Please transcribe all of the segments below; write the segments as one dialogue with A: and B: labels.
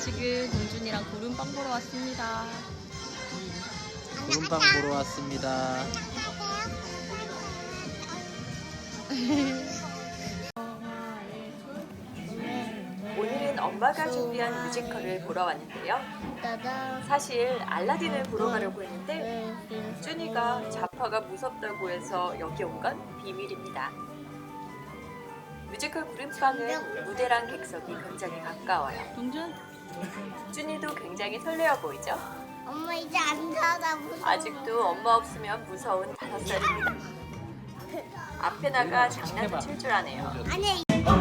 A: 지금 동준이랑 구름빵 보러 왔습니다.
B: 구름빵 보러 왔습니다.
C: 오늘은 엄마가 준비한 뮤지컬을 보러 왔는데요. 사실 알라딘을 보러 가려고 했는데 준이가 자파가 무섭다고 해서 여기 온 건 비밀입니다. 뮤지컬 구름빵은 무대랑 객석이 굉장히 가까워요.
A: 동준?
C: 준이도 굉장히 설레어 보이죠?
D: 엄마 이제 안 자다 무서워.
C: 아직도 엄마 없으면 무서운 5살입니다. 앞에 나가 장난도 칠 줄 아네요.
D: 아니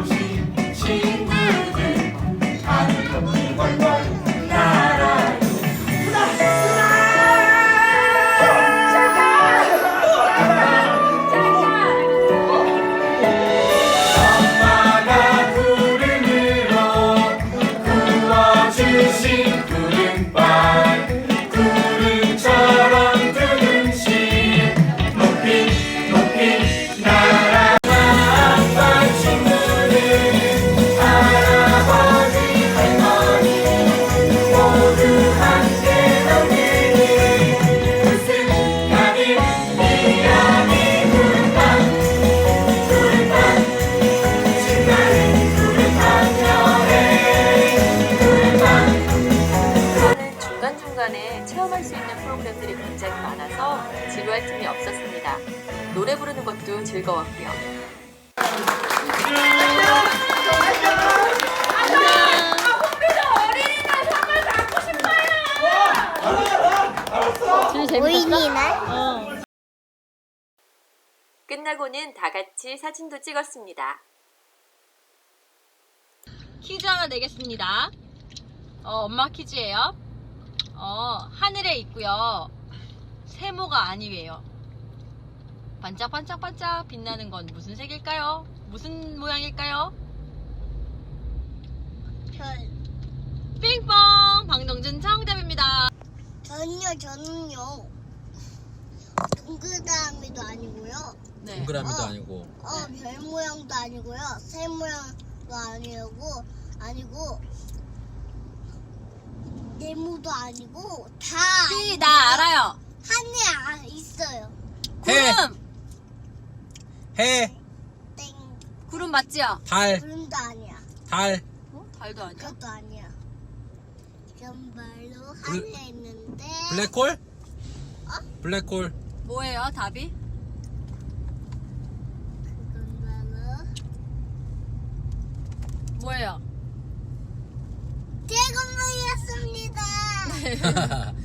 E: 엄마가 구름으로 구워주신 구름빵 구름처럼 뜨는 시 높이 높이 날아가 아빠 친구들 할아버지 할머니 모두 함께 만드는 웃음 가득 이야기 구름빵 구름빵 신나는 구름빵 여행 구름빵
C: 저는 중간중간에 체험할 수 있는 프로그램들이 굉장히 많아서 지루할 틈이 없었습니다. 노래 부르는 것도 즐거웠고요.
A: 준이 재밌었어?
D: 보이니나?
C: 끝나고는 다 같이 사진도 찍었습니다.
A: 퀴즈 하나 내겠습니다. 엄마 퀴즈예요. 하늘에 있고요. 세모가 아니에요. 반짝반짝반짝 빛나는 건 무슨 색일까요? 무슨 모양일까요?
D: 별.
A: 핑퐁! 방동준 정답입니다.
D: 저는요 동그라미도 아니고요.
A: 네.
B: 동그라미도 아니고
D: 별 모양도 아니고요. 새 모양도 아니고 네모도 아니고 다
A: 삐, 나 알아요.
D: 하늘에 있어요.
B: 해!
A: 구름!
B: 해!
D: 땡.
A: 구름 맞지요?
B: 달!
D: 구름도 아니야.
B: 달!
A: 달도 아니야.
D: 그것도 아니야. 정말로 하늘에 있는데
B: 블랙홀? 블랙홀.
A: 뭐예요, 답이?
D: 그건 바로
A: 뭐예요?
D: 대건물이었습니다.